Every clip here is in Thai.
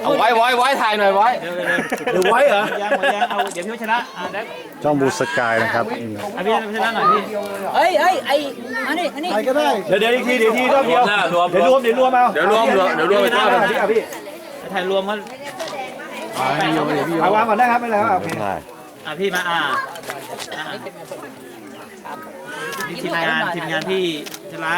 เอาไว้ถ่ายหน่อยไว้เดี๋ยวไว้เหรอยังเอาเดี๋ยวพี่ชนะได้ช่องบูสกายนะครับพี่ชนะหน่อยพี่เฮ้ยอันนี้ใครก็ได้เดี๋ยวอีกทีรอบเดียวเดี๋ยวรวมเอาเดี๋ยวรวมไปทอดกันพี่ถ่ายรวมกันวางก่อนได้ครับไม่เป็นไรครับโอเคพี่มาทีมงานพี่ชนะ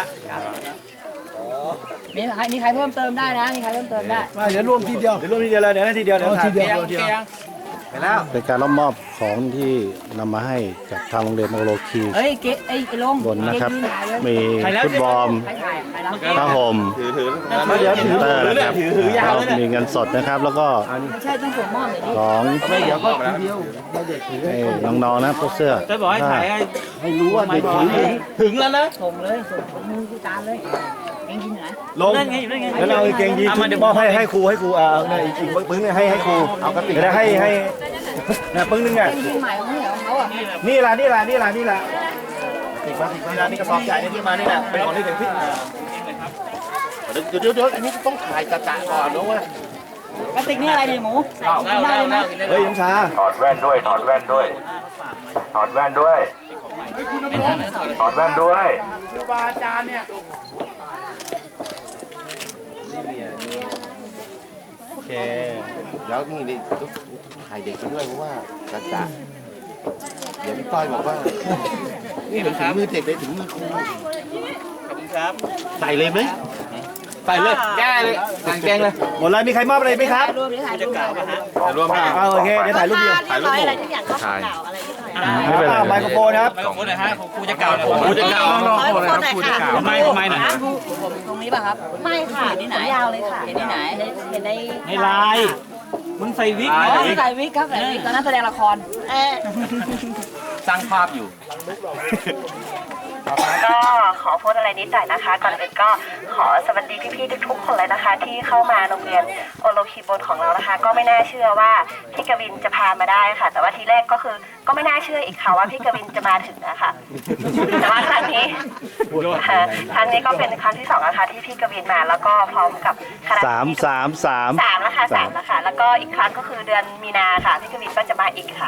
มีใครเพิ่มเติมได้นะมีใครเพิ่มเติมได้เดี๋ยวรวมทีเดียวเลยเดี๋ยวทีเดียวไปแล้วเป็นการรับมอบของที่นำมาให้จากทางโรงเรียนโอโลคีเฮ้ยเก๊ไอ้ลงบนนะครับ มีฟุตบอลใครถ่ายไปแล้วผ้าห่มเดี๋ยวถือเตอร์นะครับยาวเลยมีเงินสดนะครับ แล้วก็ไม่ใช่ต้องส่งมอบหน่อยดิของเดี๋ยวก็ทีเดียวเด็กถือให้น้องๆนะพวกเสื้อจะบอกให้ถ่ายให้รู้ว่าเด็กถือถึงแล้วนะส่งเลยส่งมือผู้การเลยเองกินไหนลงนั่นไงอยู่นั่นไงแล้วเอาเกงยีนมอบให้ครูเนี่ยอีกปึ้งนึงให้ครูเอากระติกให้เนี่ยปึ้งนึงอ่ะเองใหม่ของเขาอ่ะนี่ล่ะนี่กระสอบใหญ่ที่มานี่แหละเป็นของที่ถึงพี่เดี๋ยวอันนี้ต้องถ่ายกระจาก่อนนะเว้ยกระติกนี่อะไรเนี่ยหมูกินได้เลยไหมเฮ้ยยังช้าถอดแว่นด้วย ถอดแว่นด้วย ถอดแว่นด้วย ถอดแว่นด้วยโอเคแล้วนี่ถ่ายเด็กไปด้วยเพราะว่ากระจาเดี๋ยวพี่ต้อยบอกว่านี่เหมือนถึงมือเด็กเลยถึงมือครูขอบคุณครับใส่เลยไหมใส่เลยแก้เลยสั่งแกงเลยหมดเลยมีใครมอบอะไรไหมครับรวมหรือถ่ายรูปถ่ายรวมกันโอเคเดี๋ยวถ่ายรูปเดียวถ่ายรูปอะไรทุกอย่างก็ถ่ายไมโครโฟนครับไปของคุณหน่อยฮะของครูจะเก่าหน่อยครูจะเก่าน้องๆคนเลยครับครูจะเก่าไม่หน่อยผมตรงนี้ป่ะครับไม่ค่ะเห็นที่ไหนยาวเลยค่ะเห็นที่ไหนเห็นในในไลน์มึงใส่วิกอ๋อใส่วิกครับใส่วิกตอนนั้นแสดงละครสร้างภาพอยู่ก็ขอพูดอะไรนิดหน่อยนะคะ ก่อนอื่นก็ขอสวัสดีพี่ๆทุกๆคนเลยนะคะ ที่เข้ามาโรงเรียนโอโลคีบนของเรานะคะ ก็ไม่น่าเชื่อว่าพี่กวินจะพามาได้ค่ะ แต่ว่าทีแรกก็คือก็ไม่น่าเชื่ออีกค่ะว่าพี่กวินจะมาถึงนะคะแต่ว่าครั้งนี้ก็เป็นครั้งที่2นะคะที่พี่กวินมาแล้วก็พร้อมกับคณะสาม 3แล้วค่ะแล้วก็อีกครั้งก็คือเดือนมีนาค่ะพี่กวินก็จะมาอีกค่ะ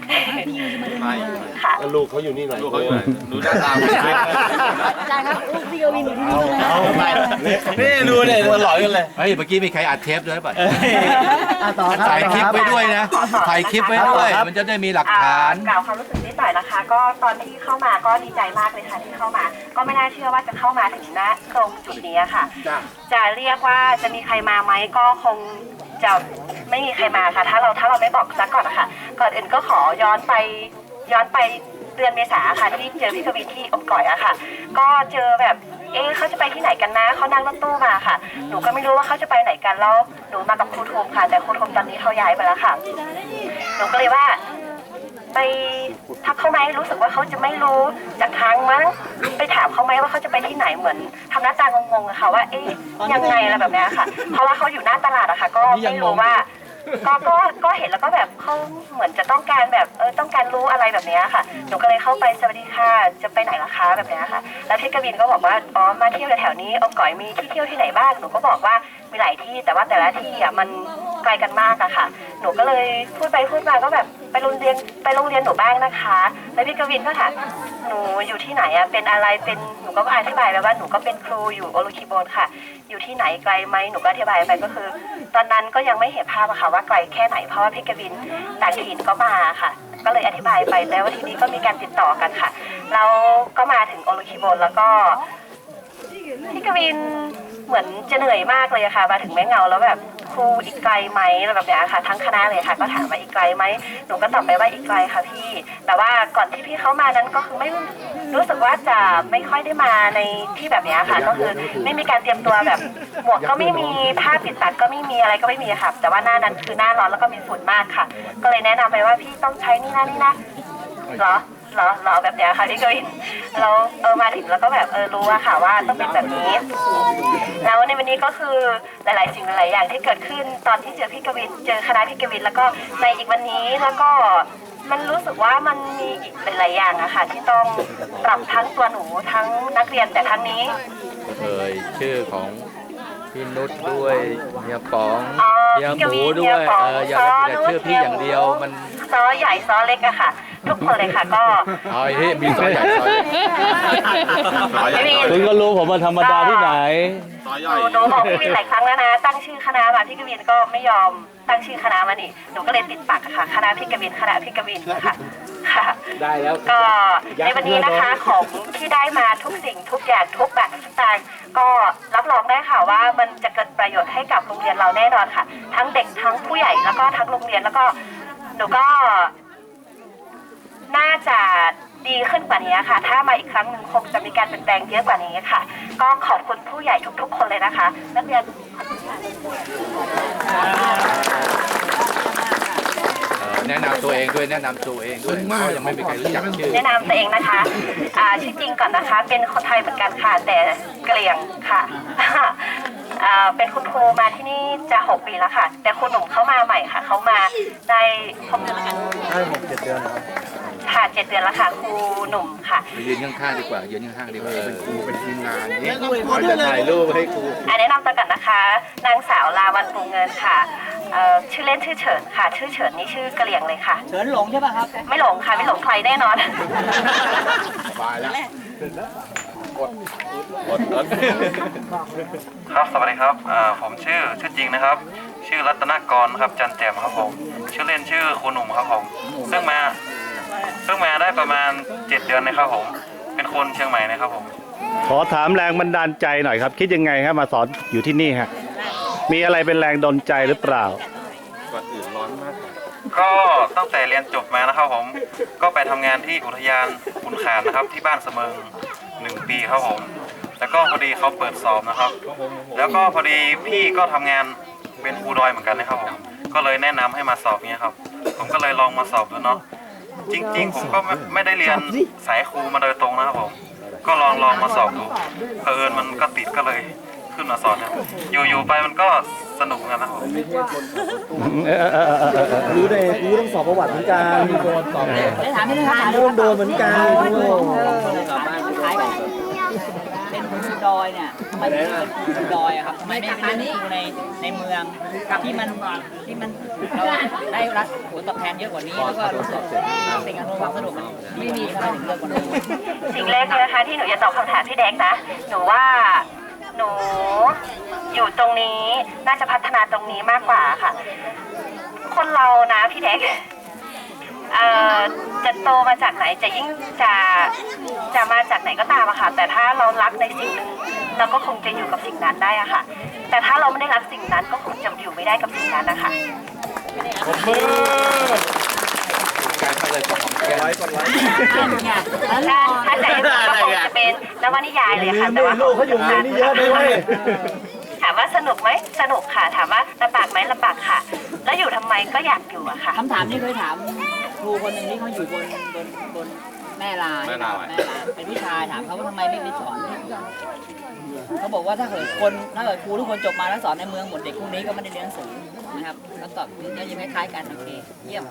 ค่ะลูกเขาอยู่นี่หน่อยลูกเขาอยู่ไหนดูหน้าตาไม่ได้อาจารย์ครับลูกพี่กวินอยู่ที่นี่เลยเอาไปนี่ดูเนี่ยมันหลอยกันเลยเฮ้ยเมื่อกี้มีใครอัดเทปด้วยป่ะต่อครับถ่ายคลิปไว้ด้วยนะ ถ่ายคลิปไว้ด้วย มันจะได้มีหลักฐานกล่าวความรู้สึกนิดหน่อยนะคะ ก็ตอนที่เข้ามาก็ดีใจมากเลยค่ะที่เข้ามา ก็ไม่น่าเชื่อว่าจะเข้ามาถึงณตรงจุดนี้ค่ะ จะเรียกว่าจะมีใครมาไหมก็คงจะไม่มีใครมาค่ะ ถ้าเราไม่บอกซะก่อนนะคะก่อนอื่นก็ขอย้อนไปเดือนเมษาค่ะที่เจอพี่กวินที่อมก่อยอะค่ะ ก็เจอแบบเขาจะไปที่ไหนกันนะเขานั่งรถตู้มาค่ะหนูก็ไม่รู้ว่าเขาจะไปไหนกันแล้วหนูมากับครูทมค่ะ แต่ครูทมตอนนี้เขาย้ายไปแล้วค่ะหนูก็เลยว่าไปทักเขาไหมรู้สึกว่าเขาจะไม่รู้จากทางมั้งไปถามเขาไหมว่าเขาจะไปที่ไหนเหมือนทำหน้าตางงๆอะค่ะว่ายังไงอะไรแบบนี้ค่ะเพราะว่าเขาอยู่หน้าตลาดอะค่ะก็ไม่รู้ว่าก็เห็นแล้วก็แบบเขาเหมือนจะต้องการแบบต้องการรู้อะไรแบบนี้ค่ะหนูก็เลยเข้าไปสวัสดีค่ะจะไปไหนล่ะคะแบบนี้ค่ะแล้วพี่กวินก็บอกว่าอ๋อมาเที่ยวแถวนี้อมก๋อยมีที่เที่ยวที่ไหนบ้างหนูก็บอกว่ามีหลายที่แต่ว่าแต่ละที่อ่ะมันไกลกันมากอะค่ะหนูก็เลยพูดไปพูดมาก็แบบไปโรงเรียนหนูบ้างนะคะแล้วพี่กวินก็ถามหนูอยู่ที่ไหนอะเป็นอะไรเป็นหนูก็อธิบายไปว่าหนูก็เป็นครูอยู่โอโลคีโบนค่ะอยู่ที่ไหนไกลไหมหนูก็อธิบายไปก็คือตอนนั้นก็ยังไม่เห็นภาพอะค่ะว่าไกลแค่ไหนเพราะว่าพี่กวินต่างถิ่นก็มาค่ะก็เลยอธิบายไปแล้วทีนี้ก็มีการติดต่อกันค่ะแล้วก็มาถึงโอโลคีโบนแล้วก็พี่กวินเหมือนจะเหนื่อยมากเลยค่ะมาถึงแม่เงาแล้วแบบครูอีกไกลไหมแบบนี้ค่ะทั้งคณะเลยค่ะก็ถามว่าอีกไกลไหมหนูก็ตอบไปว่าอีกไกลค่ะพี่แต่ว่าก่อนที่พี่เขามานั้นก็คือไม่รู้สึกว่าจะไม่ค่อยได้มาในที่แบบนี้ค่ะก็คือไม่มีการเตรียมตัวแบบหมวกก็ไม่มีผ้าปิดปากก็ไม่มีอะไรก็ไม่มีค่ะแต่ว่าหน้านั้นคือหน้าร้อนแล้วก็มีฝุ่นมากค่ะก็เลยแนะนำไปว่าพี่ต้องใช้นี่นะเหรอแบบนี้ค่ะพี่กวินเรามาถึงแล้วก็แบบรู้อะค่ะว่าต้องเป็นแบบนี้แล้วในวันนี้ก็คือหลายๆสิ่งหลายอย่างที่เกิดขึ้นตอนที่เจอพี่กวินเจอคณะพี่กวินแล้วก็ในอีกวันนี้แล้วก็มันรู้สึกว่ามันมีอีกหลายๆอย่างอะค่ะที่ต้องปรับทั้งตัวหนูทั้งนักเรียนแต่ทั้งนี้เคยชื่อของพี่นุชด้วยเฮียป๋องอ๋อเฮียพี่หกมูวินด้วยเฮียป๋องอย่าชื่อพี่อย่างเดียวมันซอใหญ่ซอเล็กอะค่ะ ทุกคนเลยค่ะก็เอาไอ้ที่มีซอยใหญ่ซอยเล็กคุณก็รู้ผมมาธรรมดาที่ไหนหนูบอกพี่วินหลายครั้งแล้วนะ ตั้งชื่อคณะมาพี่กวินก็ไม่ยอมตั้งชื่อคณะมานี่หนูก็เลยติดปากอะค่ะคณะพี่กวินคณะพี่กวินค่ะค่ะได้แล้วก็ในวันนี้นะคะของที่ได้มาทุกสิ่งทุกอย่างทุกแบบทุกอย่างก็รับรองได้ค่ะว่ามันจะเกิดประโยชน์ให้กับโรงเรียนเราแน่นอนค่ะ ทั้งเด็กทั้งผู้ใหญ่แล้วก็ทั้งโรงเรียนแล้วก็หนูก็น่าจะดีขึ้นกว่านี้ค่ะถ้ามาอีกครั้งหนึ่งคงจะมีการเปลี่ยนแปลงเยอะกว่านี้ค่ะก็ขอบคุณผู้ใหญ่ทุกๆคนเลยนะคะนักเรียนแนะนำตัวเองด้วยแนะนำตัวเองด้วยเพราะยังไม่มีใครรู้จักชื่อแนะนำตัวเองนะคะชื่อจริงก่อนนะคะ เป็นคนไทยเหมือนกันค่ะ แต่เกลียงค่ะ เป็นคุณครูมาที่นี่จะ6 ปีแล้วค่ะ แต่ครูหนุ่มเขามาใหม่ค่ะ เขามาได้6 เดือนแล้วกันได้6-7 เดือนนะครับค่ะ 7 เดือนแล้วค่ะ ครูหนุ่มค่ะไปยืนข้างๆดีกว่ายืนข้างๆดีกว่าเป็นครูเป็นทีมงานเนี่ยเขาจะถ่ายรูปให้ครูแนะนำตัวกันนะคะ นางสาวลาวันปูเงินค่ะ ชื่อเล่นชื่อเฉินค่ะ ชื่อเฉินนี่ชื่อกะเหรี่ยงเลยค่ะเฉินหลงใช่ป่ะครับไม่หลงค่ะ ไม่หลงใครแน่นอนสบายแล้วครับสวัสดีครับผมชื่อจริงนะครับ ชื่อรัตนกรครับจันแจ่มครับผมชื่อเล่นชื่อครูหนุ่มครับผมซึ่งมาได้ประมาณ7 เดือนนะครับผมเป็นคนเชียงใหม่นะครับผมขอถามแรงบันดาลใจหน่อยครับ คิดยังไงครับมาสอนอยู่ที่นี่ฮะมีอะไรเป็นแรงดลใจหรือเปล่าก็ตั้งแต่เรียนจบมานะครับผมก็ไปทำงานที่อุทยานขุนขานนะครับที่บ้านเสมิง1 ปีครับผมแล้วก็พอดีเขาเปิดสอบนะครับ แล้วก็พอดีพี่ก็ทำงานเป็นครูดอยเหมือนกันนะครับผมก็เลยแนะนำให้มาสอบเนี้ยครับผมก็เลยลองมาสอบดูเนาะจริงๆผมก็ไม่ได้เรียนสายครูมาโดยตรงนะครับผมก็ลองมาสอบดูเผอิญมันก็ติดก็เลยขึ้นมาสอนนะครับอยู่ไปมันก็สนุกกันนะครับผมรู้ได้รู้ต้องสอบประวัติเหมือนกันมีโดนสอบได้ถามพี่นะครับร่วมโดนเหมือนกันคล้ายกันเป็นครูดอยเนี่ยทำไมถึงเป็นครูดอยอะครับทำไมไม่เป็นครูในเมืองที่มันเราได้รับผลตอบแทนเยอะกว่านี้แล้วก็รู้สึกสิ่งอำนวยความสะดวกมันไม่มีทำไมถึงเลือกคนนี้สิ่งแรกเลยนะคะที่หนูจะตอบคำถามพี่แดกนะ หนูว่าหนูอยู่ตรงนี้น่าจะพัฒนาตรงนี้มากกว่าค่ะ คนเรานะพี่แดกจะโตมาจากไหนจะยิ่งจะมาจากไหนก็ตามอะค่ะ แต่ถ้าเรารักในสิ่งหนึ่งเราก็คงจะอยู่กับสิ่งนั้นได้อะค่ะ แต่ถ้าเราไม่ได้รักสิ่งนั้นก็คงจะอยู่ไม่ได้กับสิ่งนั้นนะคะการเข้าเลยของแกถ้าใจก็คงจะเป็นนวนิยายเลยค่ะแต่ว่าลูกเขาอยู่ในนี้เยอะด้วยถามว่าสนุกไหมสนุกค่ะ ถามว่าลำบากไหมลำบากค่ะ แล้วอยู่ทำไมก็อยากอยู่อะค่ะคำถามนี้เคยถามครูคนหนึ่งที่เขาอยู่บนแม่ลาเป็นผู้ชายถามเขาว่าทำไมไม่ไปสอนเขาบอกว่าถ้าเกิดครูทุกคนจบมาแล้วสอนในเมืองหมดเด็กพวกนี้ก็ไม่ได้เรียนหนังสือนะครับคำตอบก็ยังคล้ายๆกันโอเคเยี่ยม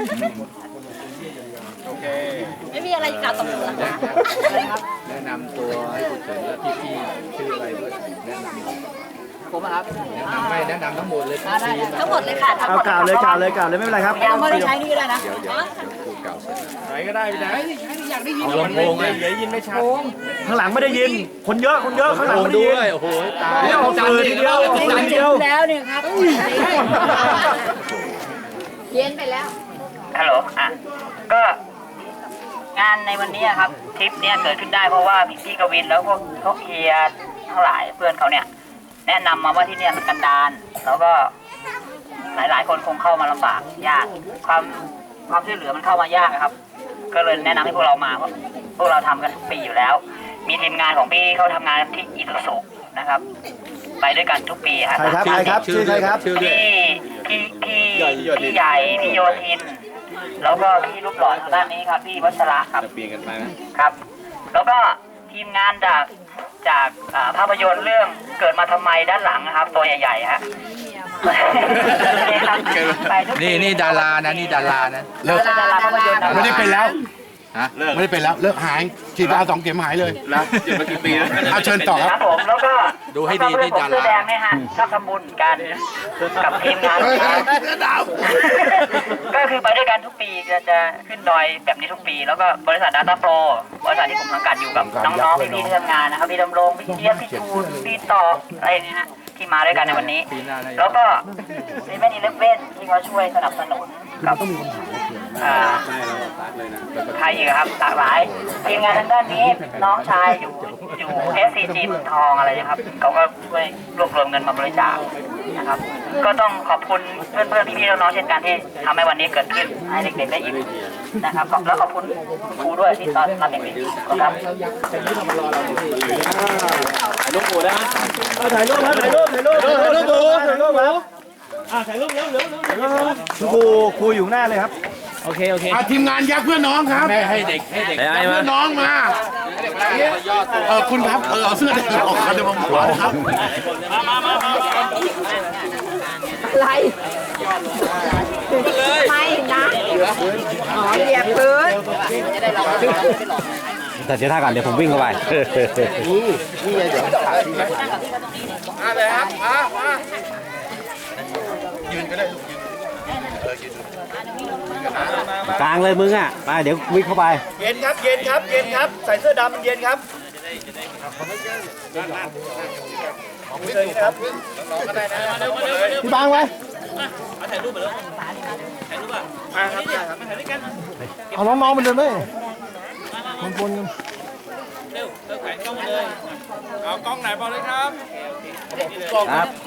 โอเคไม่มีอะไรกล่าวตบมือหรอคะแนะนำตัวให้คุณเฉินและพี่ๆชื่ออะไรด้วยแนะนำผมอะครับแนะนำทั้งหมดเลยได้ทั้งหมดเลยค่ะทั้งเอาหมดกล่าวเลยไม่เป็นไรครับยังไม่ได้ใช้นี่ก็ได้นะเดี๋ยวพูดเก่าเสร็จไหนก็ได้พี่แดงเอาลำโพงเลยข้างหลังไม่ได้ยิน คนเยอะข้างหลังไม่ได้ด้ยินวยโอ้โหตายเอาฝืนทีเดียวฝืนทีเดียวแล้วเนี่ยครับเพี้ยนไปแล้วฮัลโหลก็งานในวันนี้ครับทริปเนี้ยเกิดขึ้นได้เพราะว่าพี่กวินแล้วพวกเฮียทั้งหลายเพื่อนเขาเนี่ยแนะนำมาว่าที่เนี่ยมันกันดารแล้วก็หลายๆคนคงเข้ามาลำบากยากความช่วยเหลือมันเข้ามายากครับ ก็เลยแนะนำให้พวกเรามาเพราะพวกเราทำกันทุกปีอยู่แล้ว มีทีมงานของพี่เขาทำงานที่อิสุสุนะครับ ไปด้วยกันทุกปีครับใครครับชื่อใครครับชื่อด้วยพี่ใหญ่พี่โยธิน แล้วก็พี่รูปหล่อทางด้านนี้ครับพี่วัชระครับเปลี่ยนกันไปไหมครับ แล้วก็ทีมงานจากภาพยนตร์เรื่องเกิดมาทำไมด้านหลังนะครับ ตัวใหญ่ๆฮะ ไปทุกปีนี่ดารานะนี่ดารานะดาราภาพยนตร์ไม่ได้เป็นแล้วฮะไม่ได้เป็นแล้วเลิกหายฉีดยา2 เข็มหายเลยนะเจ็บมากี่ปีแล้วเอาเชิญต่อครับครับผมแล้วก็ดูให้ดีที่ดาราเสื้อแดงเนี่ยฮะชอบทำบุญกันกับทีมงานก็คือไปด้วยกันทุกปีจะขึ้นดอยแบบนี้ทุกปี แล้วก็บริษัท Data Pro บริษัทที่ผมสังกัดอยู่กับน้องๆพี่ๆที่ทำงานนะครับพี่ดำรงพี่เจี๊ยบพี่ชูนพี่ต่ออะไรเนี่ยฮะที่มาด้วยกันในวันนี้ แล้วก็เซเว่นอีเลฟเว่นที่เขาช่วยสนับสนุนกับใครอีกครับหลากหลายทีมงานทางด้านนี้น้องชายอยู่ SCG เมืองทองอะไรนะครับเขาก็ช่วยรวบรวมเงินมาบริจาคนะครับก็ต้องขอบคุณเพื่อนๆพี่ๆน้องๆเช่นกันที่ทำให้วันนี้เกิดขึ้นให้เด็กๆได้อิ่มนะครับแล้วขอบคุณครูด้วยที่ตอนรับเด็กๆครับลูกหมูได้ไหมถ่ายรูปครับถ่ายรูปครูอยู่หน้าเลยครับโอเคทีมงานยักษ์เพื่อนน้องครับให้เด็กยักษ์เพื่อนน้องมาคุณครับเอาเสื้อแดงออกมาเดี๋ยวผมบอกครับไรไม่นะเหยียบพื้นแต่เดี๋ยวท่าก่อนเดี๋ยวผมวิ่งเข้าไปนี่ไงเดี๋ยวถ่ายมาเลยครับมายืนก็ได้ลูกยืนกลางเลยมึงอ่ะไปเดี๋ยววิ่งเข้าไปเย็นครับใส่เสื้อดำมันเย็นครับพี่บางไว้เอาน้องๆมาเดินไหมมันปนกันเอากล้องไหนบอกเลยครับครับ